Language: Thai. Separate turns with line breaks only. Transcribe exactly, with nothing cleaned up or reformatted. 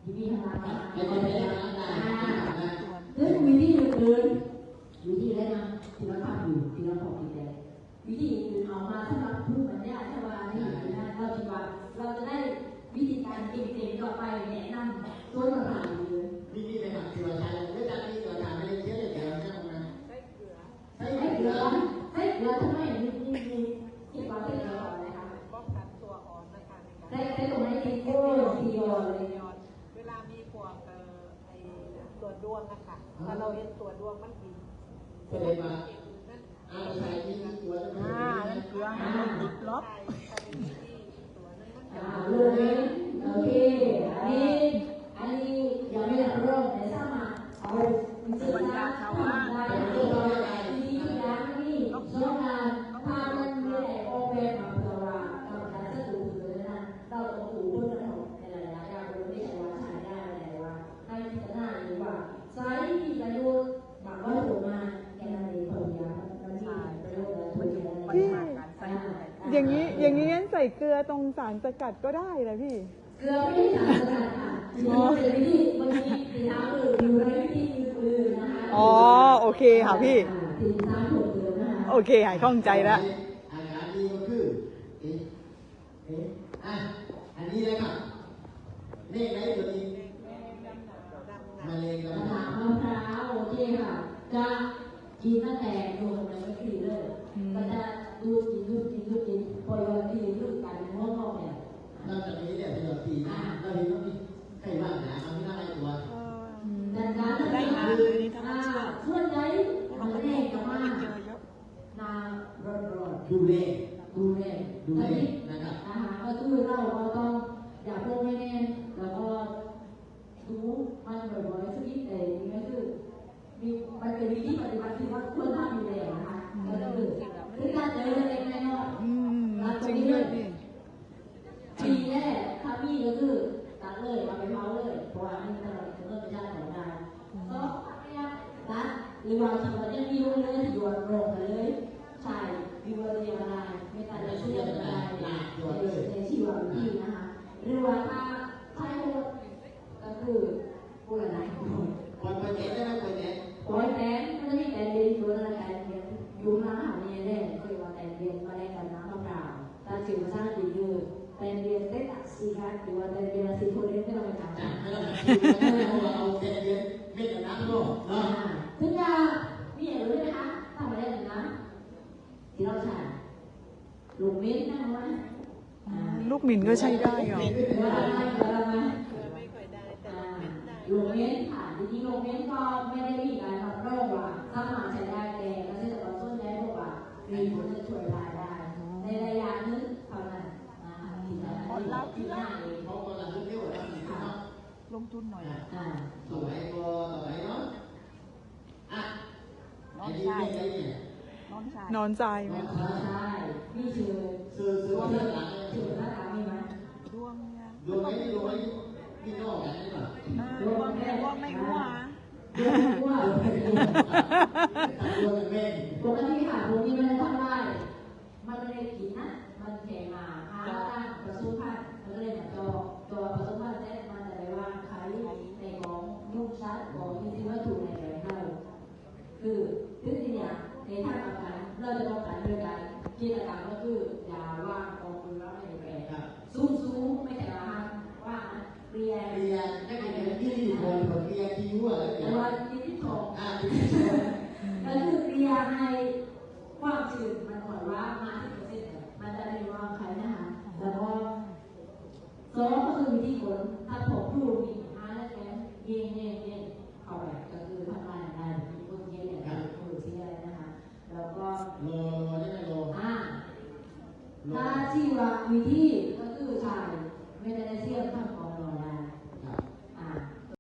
วิธีทำงาน
ในประเทศนั้นได้
ซึ่งวิธีอื่นๆวิธีอะไรนะที่เราทำอยู่ที่เราบอกที่แต่วิธีอื่นเอามาสำหรับผู้บรรยายชาวานี่นะเราคิดว่าเราจะได้วิธีการเก่งๆต่อไปแนะนำตัวเราผ่านเลย
วิธีในแบบที่เราใช้เมื่อจากนี้เราทำไม่ได้เชื่อเลยเดี๋ยวเราจะทำงาน
ใช้เกลือใช้เกลือใช้เกลือทำไมมีมีมีที่เราใช้เกลือก่อนนะคะ
ป้องกันตัวอ่อนนะคะ
ใช้ใช้ตรงไหนที่โอ้ทีโอเลย
เวลามีพวกเอ่อไอ้ตัวด้วงนะคะถ้าเราเห็นตัวด้วงมันดี
แสดงว่าอาใช้ที่ตัวนั้นอ่านั่นเกลือให้มันติดลบ
อ่าเลยโอเคอันนี้อันนี้ยังไม่ได้เริ่มแต่ถ้ามาเอาสื่อสารทำได้ที่ที่ทุกอย่างนี่ช่วงงานถ้ามันมีแต่โอเปนมาเพื่อว่าเราจะสะดวกเลยนะเราต้องดูบนถนนในหลายๆอย่างโดยไม่ใช่ว่าใช้ได้แต่ว่าให้พิจารณาหรือว่าใช้ที่ประโยชน์บางว่าถูกมาแค่นั้นเองผลยามันมีประโยชน์และผลยา
พี่อย่างนี้อย่างนี้งั้นใส่เกลือตรงสารสกัดก็ได้นะพี่
เกลือไม่ได้สารสกัดค่ะอ๋อเป็นวิธีบางทีสีน้ำอื่นอยู่ในวิธีอื่นนะคะ
อ๋อโอเคค่ะพี่
สีน้ำผงเกลือนะคะ
โอเคหายข้องใจแล้ว
อาการนี้ก็คือเอ๊ะเอ๊ะอ่ะอันนี้เลยครับเลขไหนตัวนี้มะเร็ง
มะนาวมะพร้าวโอเคค่ะจะกินตั้งแต่โดนในวิธีเลยก็จะดูกินดูกินดูกินพอโยนที่ดูกันงอกๆเนี่ย
นอกจากนี้เนี่ยเป็นแบบสี่นะเราเห็นว่ามีใครบ้างนะเอาที่หน้าไอ้ตัว
ดังนั้นได้มาส่วนใหญ่มันแรกก็มานาร้อนๆ
ดูแล
ดูแล
ดูแลนะครับ
อาหารก็คือเราเราต้องอย่าเพิ่มไม่แน่แล้วก็ดูมันบ่อยๆสักนิดแต่นี่ก็คือมีมันเป็นวิธีปฏิบัติที่ว่าควรทำอยู่แล้วนะคะก็คือคือการเจอเล็กๆน้อยๆแล้วตรงนี้เลยทีแรกถ้ามีก็คือตัดเลยเอาไปเผาเลยเพราะว่านี่เราจะเริ่มไปจ้างของงานก็เนี่ยตัดหรือว่าที่ว่าจะมีเลยโยนลงเลยใช่มีวันเดียวได้ไม่ตัดจะช่วยอะไรในชีวิตที่นะคะหรือว่าถ้าใช้ก็คือพูดอะไร
ปล่อยไปเจ็ดได้ไหมปล่อยเจ็ด
ปล่อยแตนมันจะมีแตนเรียนอยู่ในแตนเรียนอยู่ร้านอาหารเนี่ยแน่คือว่าแตนเรียนมาได้กันน้ำมะพร้าวแต่สิ่งที่สร้างดีคือแตนเรียนได้ตัดสีค่ะหรือว่าแตนเรียนสีโคเรนไม่ต้องไปจับ
จับไม่ต้องไปจับไม่ต้องเอาแตนเรียนไม่ต้องน้ำโลกเนาะ
ถึงจะมีอะไรรู้ไหมคะทำอะไรหนึ่งนะที่เราใช้ลูกมิ้นนั่งไว้
ลูกหมิ่นก็ใช้ได้เหรอ
ลูกเม้นค่ะจริงๆลูกเม้นก็ไม่ได้มีการรับรองว่าสามารถใช้ได้แต่เกษตรกรส่วนใหญ่บอกว่ามีผลจะช่วยรายได้ในระยะนึงเท่านั้นที่จะผลลัพธ์ที่ง่าย
เพราะว่าเราเที่ยวเราสิครับ
ลงทุนหน่อย
สมัยก็สมัยเนาะอ่ะนอนใจ
นอนใจไหม
ใช่นี่คือ
ซื้อซื้อว่าเรื่องหลัง
ชื่อหน้าตามีไหม
ดวงเนี่ย
ดวงไม่ดวงไม่พี่น้องกันได้ป่ะ
ดวงไม่ดวงไม่หัว
ดวงไม่หัวดวงไม่หัว
ดวงเป็น
ปกติค่ะดวงนี้มันทำได้มันไม่ได้กินนะมันแข็งมาหาตั้งประสุพันธ์มันก็เลยแบบจอจอประสุพันธ์แต่มันจะไปวางขายในของลูกชัดของที่ที่ว่าถูกในแหล่งเราคือทึ่งที่เนี่ยในทางการ เราจะป้องกันด้วยการกิจกรรมก็คืออย่าว่างกองมือว่าไม่แปลสู้สู้ไม่แต่ว่าว่าเรียน
เรียนนักเรียนที่อยู่บนบนเรียนที่ยั่วแล้ว
แต่ว่าที่ที่สองอ่าที่ที่สองก็คือเรียนให้ความจืดมันก่อนว่ามาที่เปอร์เซ็นต์มันจะได้ว่าใครนะคะแล้วก็สองก็คือวิธีผลถ้าผมดูมีห้าแล้วแกเย็นเย็นเย็นเข้าไปก็คือทำงานได้มีคนเย็นอย่างไรคนที่อะไรนะคะแล้วก็
โลโลได้ไหมโล
อ่าถ้าที่ว่าวิธี